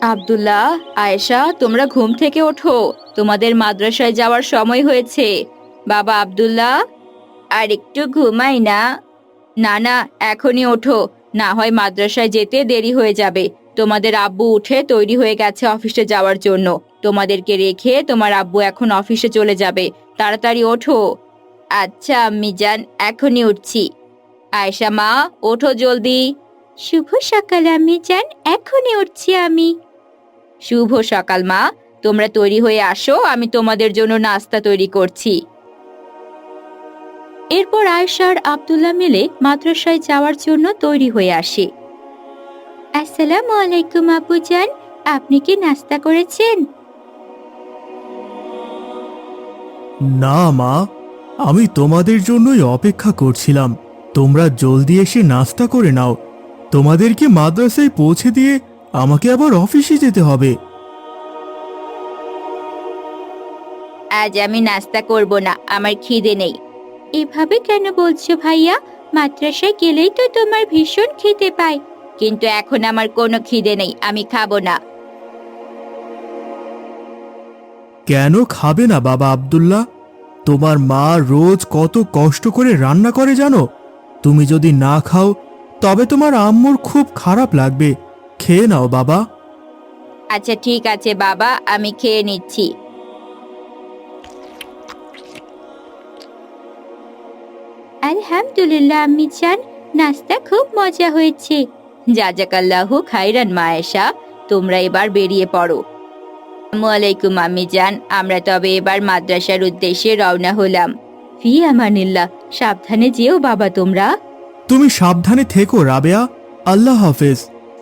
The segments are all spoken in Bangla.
আব্দুল্লাহ, আয়েশা, তোমরা ঘুম থেকে ওঠো, তোমাদের মাদ্রাসায় যাওয়ার সময় হয়েছে। বাবা আব্দুল্লাহ, আর একটু ঘুমাই না। না না, এখনই ওঠো, না হয় মাদ্রাসায় যেতে দেরি হয়ে যাবে। তোমাদের আব্বু উঠে তৈরি হয়ে গেছে অফিসে যাওয়ার জন্য। তোমাদেরকে রেখে তোমার আব্বু এখন অফিসে চলে যাবে। তাড়াতাড়ি ওঠো। আচ্ছা আম্মি জান, এখনই উঠছি। আয়েশা মা, ওঠো জলদি। শুভ সকাল আম্মি জান, এখনই উঠছি আমি। শুভ সকাল মা, তোমরা তৈরি হয়ে আসো, আমি তোমাদের জন্য নাস্তা তৈরি করছি। এরপর আয়েশা আর আব্দুল্লাহ মিলে মাদ্রাসায় যাওয়ার জন্য তৈরি হয়ে আসে। আসসালামু আলাইকুম আব্বুজান, আপনি কি নাস্তা করেছেন? না মা, আমি তোমাদের জন্যই অপেক্ষা করছিলাম। তোমরা জলদি এসে নাস্তা করে নাও। তোমাদেরকে মাদ্রাসায় পৌঁছে দিয়ে আমাকে আবার অফিসে যেতে হবে। আজ আমি নাস্তা করব না, আমার খিদে নেই। এভাবে কেন বলছো ভাইয়া? মাদ্রাসায় গেলেই তো তোমার ভীষণ খিদে পায়। কিন্তু এখন আমার কোনো খিদে নেই, আমি খাবো না। কেন খাবে না বাবা আব্দুল্লাহ? তোমার মা রোজ কত কষ্ট করে রান্না করে জানো? তুমি যদি না খাও তবে তোমার আম্মুর খুব খারাপ লাগবে। খেয়ে নাও বাবা। আচ্ছা ঠিক আছে বাবা, আমি খেয়ে নিচ্ছি। আলহামদুলিল্লাহ আম্মি জান, নাস্তা খুব মজা হয়েছে। জাজাকাল্লাহু খাইরান মায়েশা, তোমরা এবার বেরিয়ে পড়ো। আসসালামু আলাইকুম আম্মি জান, আমরা তবে এবার মাদ্রাসার উদ্দেশ্যে রওনা হলাম। ফি আমানিল্লাহ, সাবধানে যেও বাবা তোমরা। তুমি সাবধানে থেকো রাবেয়া। আল্লাহ হাফেজ।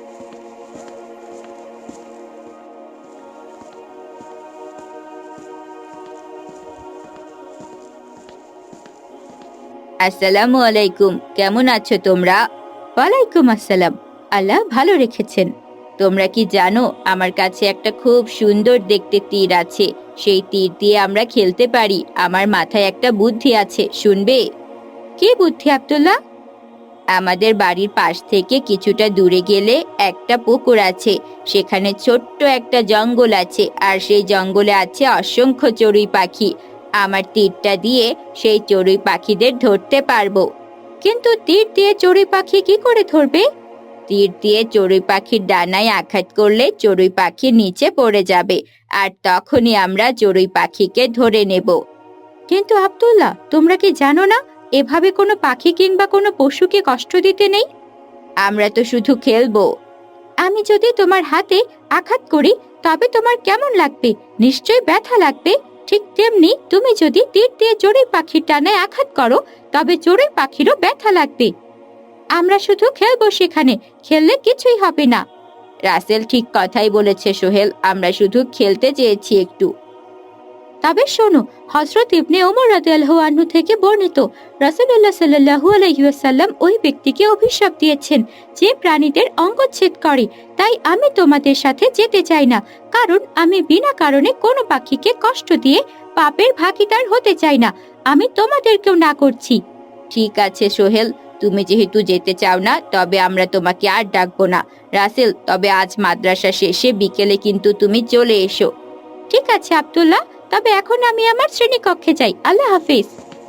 আসসালামু আলাইকুম, কেমন আছো তোমরা? ওয়ালাইকুম আসসালাম, আল্লাহ ভালো রেখেছেন। তোমরা কি জানো, আমার কাছে একটা খুব সুন্দর দেখতে তীর আছে। সেই তীর দিয়ে আমরা খেলতে পারি। আমার মাথায় একটা বুদ্ধি আছে, শুনবে? কি বুদ্ধি আব্দুল্লাহ? আমাদের বাড়ির পাশ থেকে কিছুটা দূরে গেলে একটা পুকুর আছে। সেখানে ছোট্ট একটা জঙ্গল আছে, আর সেই জঙ্গলে আছে অসংখ্য চড়ুই পাখি। আমার তীরটা দিয়ে সেই চড়ুই পাখিদের ধরতে পারবো। কিন্তু তীর দিয়ে চড়ুই পাখি কি করে ধরবে? তীর দিয়ে চড়ুই পাখির ডানায় আঘাত করলে চড়ুই পাখি নিচে পড়ে যাবে, আর তখনই আমরা চড়ুই পাখিকে ধরে নেব। কিন্তু আব্দুল্লাহ, তোমরা কি জানো না, এভাবে কোনো পাখি কিংবা কোনো পশুকে কষ্ট দিতে নেই? আমরা তো শুধু খেলবো। আমি যদি তোমার হাতে আঘাত করি তবে তোমার কেমন লাগবে? নিশ্চয়ই ব্যথা লাগবে। ঠিক তেমনি তুমি যদি তীর দিয়ে চড়ুই পাখির ডানায় আঘাত করো তবে চড়ুই পাখিরও ব্যথা লাগবে। আমরা শুধু খেলবো, সেখানে খেললে কিছুই হবে না। রাসেল ঠিক কথাই বলেছে সোহেল, আমরা শুধু খেলতে চেয়েছি একটু। তবে শোনো, হযরত ইবনে ওমর রাদিয়াল্লাহু আনহু থেকে বর্ণিত, রাসূলুল্লাহ সাল্লাল্লাহু আলাইহি ওয়াসাল্লাম ওই ব্যক্তিকে অভিশাপ দিয়েছেন যে প্রাণীদের অঙ্গচ্ছেদ করে। তাই আমি তোমাদের সাথে যেতে চাই না, কারণ আমি বিনা কারণে কোনো পাখিকে কষ্ট দিয়ে পাপের ভাগীদার হতে চাই না। আমি তোমাদেরকেও না করছি। ঠিক আছে সোহেল, তুমি যেহেতু যেতে চাও না, তবে আমরা তোমাকে আর ডাকবো না। রাসেল, তবে আজ মাদ্রাসা শেষে বিকেলে কিন্তু তুমি চলে এসো। ঠিক আছে আব্দুল্লাহ, তবে এখন আমি আমার শ্রেণীকক্ষে যাই। আল্লাহ হাফিজ।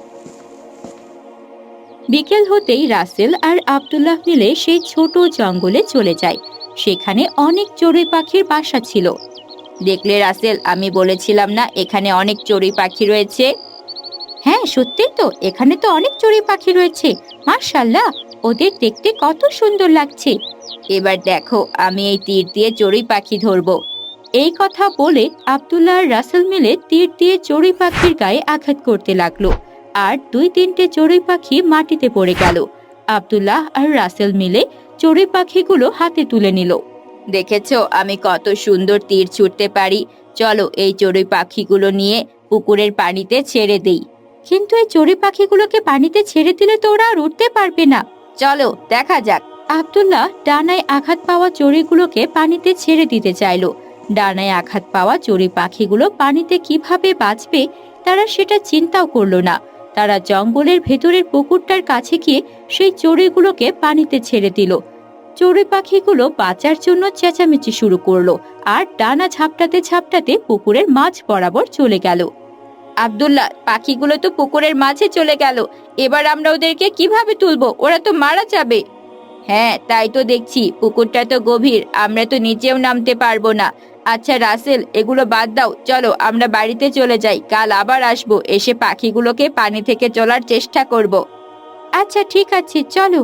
বিকেল হতেই রাসেল আর আব্দুল্লাহ মিলে সেই ছোট জঙ্গলে চলে যায়। সেখানে অনেক চড়ুই পাখির বাসা ছিল। দেখলে রাসেল, আমি বলেছিলাম না এখানে অনেক চড়ুই পাখি রয়েছে? হ্যাঁ সত্যি তো, এখানে তো অনেক চড়ুই পাখি রয়েছে। মাশাআল্লাহ, ওদের দেখতে কত সুন্দর লাগছে। এবার দেখো, আমি এই তীর দিয়ে চড়ুই পাখি ধরবো। এই কথা বলে আব্দুল্লাহ আর রাসেল মিলে তীর দিয়ে চড়ুই পাখির গায়ে আঘাত করতে লাগলো, আর 2-3টে চড়ুই পাখি মাটিতে পড়ে গেল। আব্দুল্লাহ আর রাসেল মিলে চড়ুই পাখিগুলো হাতে তুলে নিল। দেখেছো আমি কত সুন্দর তীর ছুটতে পারি? চলো এই চড়ুই পাখিগুলো নিয়ে পুকুরের পানিতে ছেড়ে দেই। কিন্তু এই চড়ুই পাখিগুলোকে পানিতে ছেড়ে দিলে তো ওরা আর উঠতে পারবে না। চলো দেখা যাক। আব্দুল্লাহ ডানায় আঘাত পাওয়া চড়ুইগুলোকে পানিতে ছেড়ে দিতে চাইলো। ডানায় আঘাত পাওয়া চড়ুই পাখিগুলো পানিতে কিভাবে বাঁচবে তারা সেটা চিন্তাও করলো না। তারা জঙ্গলের ভেতরের পুকুরটার কাছে গিয়ে সেই চড়ুইগুলোকে পানিতে ছেড়ে দিল। চড়ুই পাখিগুলো বাঁচার জন্য চেঁচামেচি শুরু করলো আর ডানা ঝাপটাতে ঝাপটাতে পুকুরের মাঝ বরাবর চলে গেল। আব্দুল্লাহ, পাখিগুলো তো পুকুরের মাঝে চলে গেল, এবার আমরা ওদেরকে কিভাবে তুলবো? ওরা তো মারা যাবে। হ্যাঁ, তাই তো দেখছি, পুকুরটা তো গভীর, আমরা তো নিচেও নামতে পারবো না। আচ্ছা রাসেল, এগুলো বাদ দাও, চলো আমরা বাড়িতে চলে যাই, কাল আবার আসবো, এসে পাখিগুলোকে পানি থেকে তোলার চেষ্টা করব। আচ্ছা ঠিক আছে, চলো।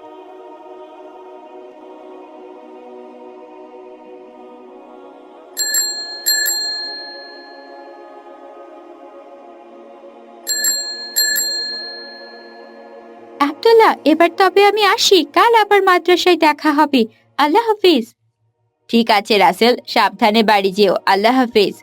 আব্দুল্লাহ, এবার তবে আমি আসি, কাল আবার মাদ্রাসায় দেখা হবে। আল্লাহ হাফিজ। ঠিক আছে রাসেল, সাবধানে বাড়ি যেও। আল্লাহ হাফিজ।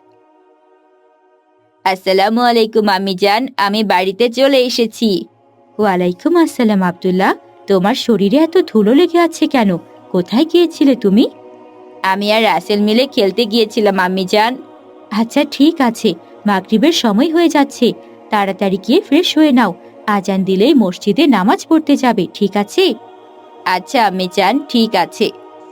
আসসালামু আলাইকুম আম্মি জান, আমি বাড়িতে চলে এসেছি। ওয়ালাইকুম আসসালাম আব্দুল্লাহ, তোমার শরীরে এত ধুলো লেগে আছে কেন? কোথায় গিয়েছিলে তুমি? আমি আর রাসেল মিলে খেলতে গিয়েছিলাম আম্মি জান। আচ্ছা ঠিক আছে, মাগরিবের সময় হয়ে যাচ্ছে, তাড়াতাড়ি গিয়ে ফ্রেশ হয়ে নাও, আজান দিলেই মসজিদে নামাজ পড়তে যাবে, ঠিক আছে? আচ্ছা আম্মি জান, ঠিক আছে।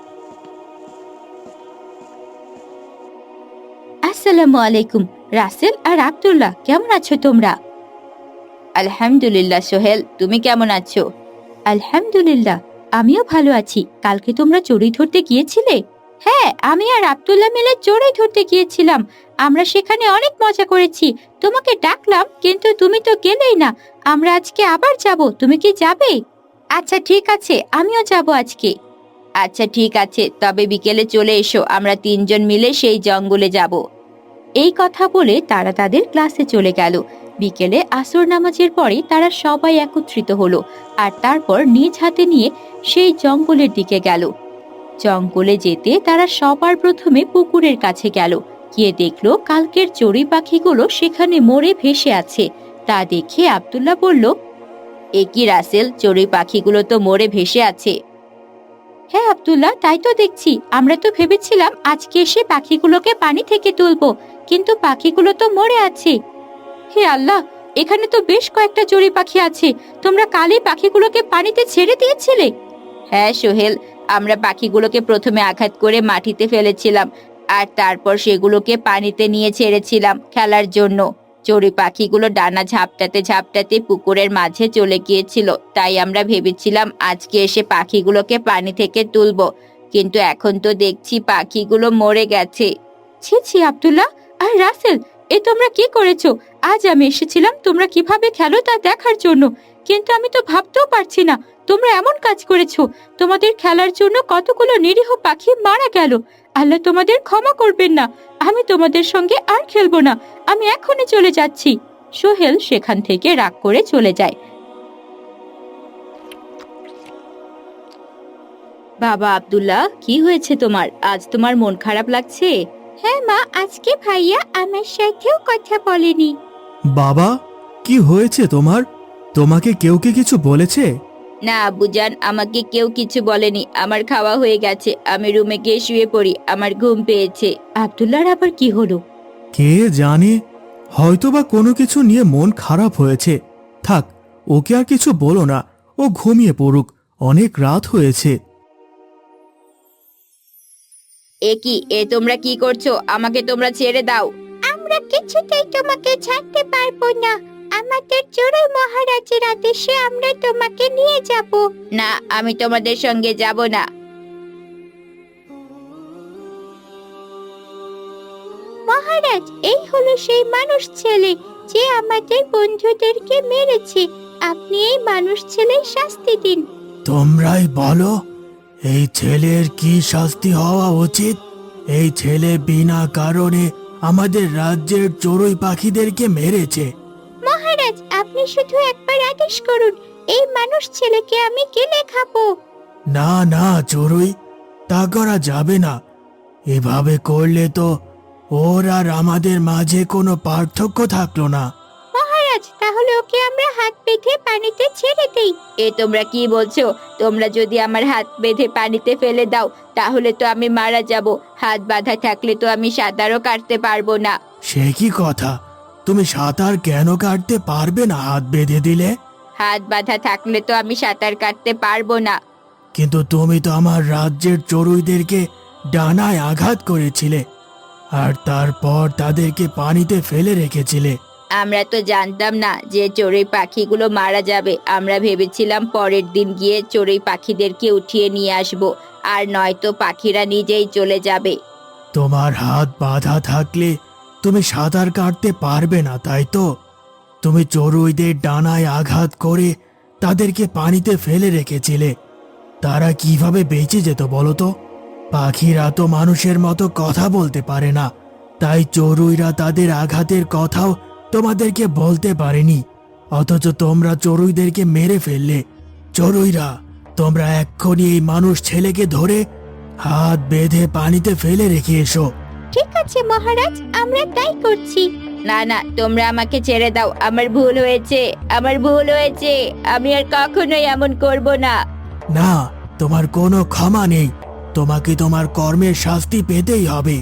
আসসালামু আলাইকুম রাসেল আর আব্দুল্লাহ, কেমন আছো তোমরা? আলহামদুলিল্লাহ সোহেল, তুমি কেমন আছো? আলহামদুলিল্লাহ, আমিও ভালো আছি। কালকে তোমরা চড়ুই ধরতে গিয়েছিলে? হ্যাঁ, আমি আর আব্দুল্লাহ মিলে চড়ুই ধরতে গিয়েছিলাম, আমরা সেখানে অনেক মজা করেছি। তোমাকে ডাকলাম কিন্তু তুমি তো গেলেই না। আমরা আজকে আবার যাব, তুমি কি যাবে? আচ্ছা ঠিক আছে, আমিও যাব আজকে। আচ্ছা ঠিক আছে, তবে বিকেলে চলে এসো, আমরা তিনজন মিলে সেই জঙ্গলে যাব। এই কথা বলে তারা তাদের ক্লাসে চলে গেল। বিকেলে আসর নামাজের পরে তারা সবাই একত্রিত হলো আর তারপর নিজ হাতে নিয়ে সেই জঙ্গলের দিকে গেল। জঙ্গলে যেতে তারা সবার প্রথমে পুকুরের কাছে গেল। গিয়ে দেখলো কালকের চড়ুই পাখিগুলো সেখানে মরে ভেসে আছে। তা দেখে আব্দুল্লাহ বলল, এ কি রাসেল, চড়ুই পাখিগুলো তো মরে ভেসে আছে। হ্যাঁ আব্দুল্লাহ, তাই তো দেখছি, আমরা তো ভেবেছিলাম আজকে এসে পাখিগুলোকে পানি থেকে তুলবো, কিন্তু পাখিগুলো তো মরে আছে। হে আল্লাহ, এখানে তো বেশ কয়েকটা চড়ুই পাখি আছে, তোমরা কালই পাখিগুলোকে পানিতে ছেড়ে দিয়েছিলে? হ্যাঁ সোহেল, আমরা পাখিগুলোকে প্রথমে আঘাত করে মাটিতে ফেলেছিলাম আর তারপর সেগুলোকে পানিতে নিয়ে ছেড়েছিলাম খেলার জন্য। চড়ুই পাখিগুলো ডানা ঝাপটাতে ঝাপটাতে পুকুরের মাঝে চলে গিয়েছিল, তাই আমরা ভেবেছিলাম আজকে এসে পাখিগুলোকে পানি থেকে তুলবো, কিন্তু এখন তো দেখছি পাখিগুলো মরে গেছে। ছি ছি আব্দুল্লাহ আর রাসেল, এ তোমরা কি করেছো? আজ আমি এসেছিলাম তোমরা কিভাবে খেলো তা দেখার জন্য, কিন্তু আমি তো ভাবতেও পারছি না তোমরা এমন কাজ করেছো। তোমাদের খেলার জন্য কতগুলো নিরীহ পাখি মারা গেল। আল্লাহ তোমাদের ক্ষমা করবেন না। আমি তোমাদের সঙ্গে আর খেলবো না, আমি এখনই চলে যাচ্ছি। সোহেল সেখান থেকে রাগ করে চলে যায়। বাবা আব্দুল্লাহ, কি হয়েছে তোমার? আজ তোমার মন খারাপ লাগছে? হ্যাঁ মা, আজকে ভাইয়া আমার সাথেও কথা বলেনি। বাবা, কি হয়েছে তোমার? তোমাকে কেউ কি কিছু বলেছে? না আব্বুজান, আমাকে কেউ কিছু বলেনি, আমার খাওয়া হয়ে গেছে, আমি রুমে গিয়ে শুয়ে পড়ি, আমার ঘুম পেয়েছে। আব্দুল্লাহর আবার কি হলো? কে জানে, হয়তোবা কোনো কিছু নিয়ে মন খারাপ হয়েছে। থাক, ওকে আর কিছু বলো না, ও ঘুমিয়ে পড়ুক, অনেক রাত হয়েছে। এ কি, এ তোমরা কি করছো? আমাকে তোমরা ছেড়ে দাও। আমরা কিছুতেই তোমাকে ছাড়তে পারবো না, আমাদের চড়ুই মহারাজের আদেশে আমরা তোমাকে নিয়ে যাব। না, আমি তোমাদের সঙ্গে যাব না। মহারাজ, এই হলো সেই মানুষ ছেলে যে আমাদের বন্ধুদেরকে মেরেছে, আপনি এই মানুষ ছেলের শাস্তি দিন। তোমরাই বলো, এই ছেলের কি শাস্তি হওয়া উচিত? এই ছেলে বিনা কারণে আমাদের রাজ্যের চড়ুই পাখিদেরকে মেরেছে। মহারাজ, আপনি শুধু একবার আদেশ করুন, এই মানুষ ছেলেকে আমি গিলে খাবো। না না চড়ুই, তা করা যাবে না। এভাবে করলে তো ওর আর আমাদের মাঝে কোনো পার্থক্য থাকলো না। মহারাজ, তাহলে ওকে আমরা হাত বেঁধে পানিতে ছেড়ে দেই। এ তোমরা কি বলছো? তোমরা যদি আমার হাত বেঁধে পানিতে ফেলে দাও তাহলে তো আমি মারা যাব। হাত বাঁধা থাকলে তো আমি সাঁতারও কাটতে পারবো না। সে কি কথা, তুমি সাঁতার কেন কাটতে পারবে না হাত বেঁধে দিলে? হাত বাঁধা থাকলে তো আমি সাঁতার কাটতে পারবো না। কিন্তু তুমি তো আমার রাজ্যের চড়ুইদেরকে ডানায় আঘাত করেছিলে আর তারপর তাদেরকে পানিতে ফেলে রেখেছিলে। আমরা তো জানতাম না যে চড়ুই পাখিগুলো মারা যাবে। আমরা ভেবেছিলাম পরের দিন গিয়ে চড়ুই পাখিদেরকে উঠিয়ে নিয়ে আসব, আর নয়তো পাখিরা নিজেই চলে যাবে। তোমার হাত বাঁধা থাকলে তুমি সাঁতার কাটতে পারবে না, তাই তো? তুমি চড়ুইদের ডানায় আঘাত করে তাদেরকে পানিতে ফেলে রেখেছিলে। তারা কিভাবে বেঁচে যেত বলো তো? পাখিরা তো মানুষের মতো কথা বলতে পারে না, তাই চড়ুইরা তাদের আঘাতের কথাও তোমাদেরকে বলতে পারেনি। অথচ তোমরা চড়ুইদেরকে মেরে ফেললে। চড়ুইরা, তোমরা এক্ষুনি এই মানুষ ছেলেকে ধরে হাত বেঁধে পানিতে ফেলে রেখে এসো। ঠিক আছে মহারাজ, আমরা তাই করছি। না না, তোমরা আমাকে ছেড়ে দাও। আমার ভুল হয়েছে, আমার ভুল হয়েছে। আমি আর কখনোই এমন করব না। না, তোমার কোনো ক্ষমা নেই। তোমাকে তোমার কর্মের শাস্তি পেতেই হবে।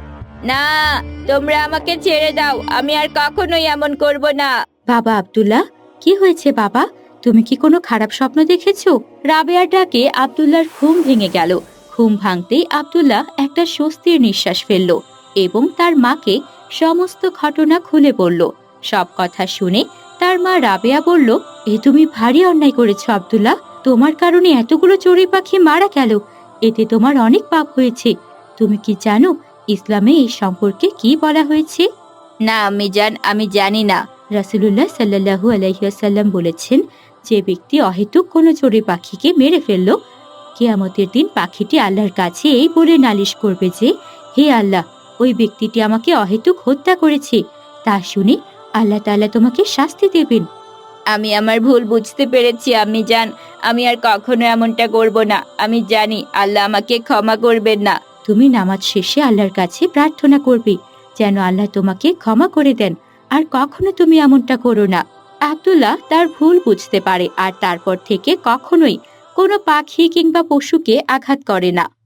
না, তোমরা আমাকে ছেড়ে দাও। আমি আর কখনোই এমন করব না। বাবা আব্দুল্লাহ, কি হয়েছে বাবা? তুমি কি কোনো খারাপ স্বপ্ন দেখেছো? রাবেয়ার ডাকে আব্দুল্লাহর ঘুম ভেঙে গেল। ঘুম ভাঙতেই আব্দুল্লাহ একটা স্বস্তির নিঃশ্বাস ফেলল এবং তার মাকে সমস্ত ঘটনা খুলে বলল। সব কথা শুনে তার মা রাবেয়া বলল, এ তুমি ভারী অন্যায় করেছো আব্দুল্লাহ। তোমার কারণে এতগুলো চড়ুই পাখি মারা গেল। এতে তোমার অনেক পাপ হয়েছে। তুমি কি জানো ইসলামে এই সম্পর্কে কি বলা হয়েছে? না আম্মি জান, আমি জানি না। রাসূলুল্লাহ সাল্লাল্লাহু আলাইহি ওয়াসাল্লাম বলেছেন, যে ব্যক্তি অহেতুক কোনো চড়ুই পাখিকে মেরে ফেললো, কিয়ামতের দিন পাখিটি আল্লাহর কাছে এই বলে নালিশ করবে যে, হে আল্লাহ, ওই ব্যক্তিটি আমাকে অহেতুক হত্যা করেছে। তা শুনে আল্লাহ তাআলা তোমাকে শাস্তি দেবেন। আমি আমার ভুল বুঝতে পেরেছি আম্মি জান। আমি আর কখনো এমনটা করব না। আমি জানি আল্লাহ আমাকে ক্ষমা করবেন না। তুমি নামাজ শেষে আল্লাহর কাছে প্রার্থনা করবে যেন আল্লাহ তোমাকে ক্ষমা করে দেন, আর কখনো তুমি এমনটা করো না। আব্দুল্লাহ তার ভুল বুঝতে পারে আর তারপর থেকে কখনোই কোনো পাখি কিংবা পশুকে আঘাত করে না।